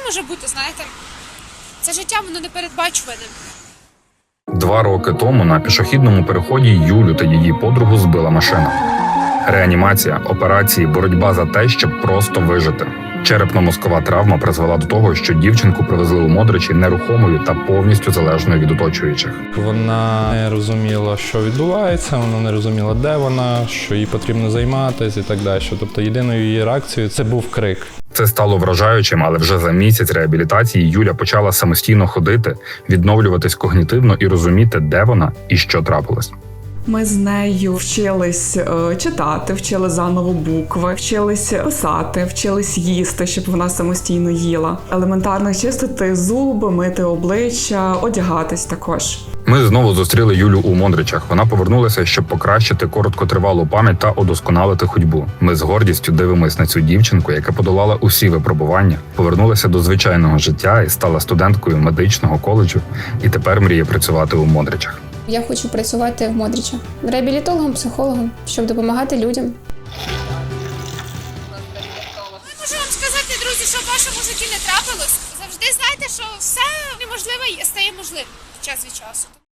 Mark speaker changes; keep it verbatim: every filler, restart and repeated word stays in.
Speaker 1: може бути, знаєте, це життя, воно непередбачуване.
Speaker 2: Два роки тому на пішохідному переході Юлю та її подругу збила машина. Реанімація, операції, боротьба за те, щоб просто вижити. Черепно-мозкова травма призвела до того, що дівчинку привезли у Модричі нерухомою та повністю залежною від оточуючих.
Speaker 3: Вона не розуміла, що відбувається, вона не розуміла, де вона, що їй потрібно займатися і так далі. Тобто єдиною її реакцією це був крик.
Speaker 2: Це стало вражаючим, але вже за місяць реабілітації Юля почала самостійно ходити, відновлюватись когнітивно і розуміти, де вона і що трапилось.
Speaker 4: Ми з нею вчились е, читати, вчили заново букви, вчились писати, вчились їсти, щоб вона самостійно їла. Елементарно чистити зуби, мити обличчя, одягатись також.
Speaker 2: Ми знову зустріли Юлю у Мондричах. Вона повернулася, щоб покращити короткотривалу пам'ять та удосконалити ходьбу. Ми з гордістю дивимось на цю дівчинку, яка подолала усі випробування, повернулася до звичайного життя і стала студенткою медичного коледжу, і тепер мріє працювати у Мондричах.
Speaker 5: Я хочу працювати в Модричах реабілітологом, психологом, щоб допомагати людям.
Speaker 1: Можу вам сказати, друзі, що в вашому житті не трапилось. Завжди знайте, що все неможливе стає можливим час від часу.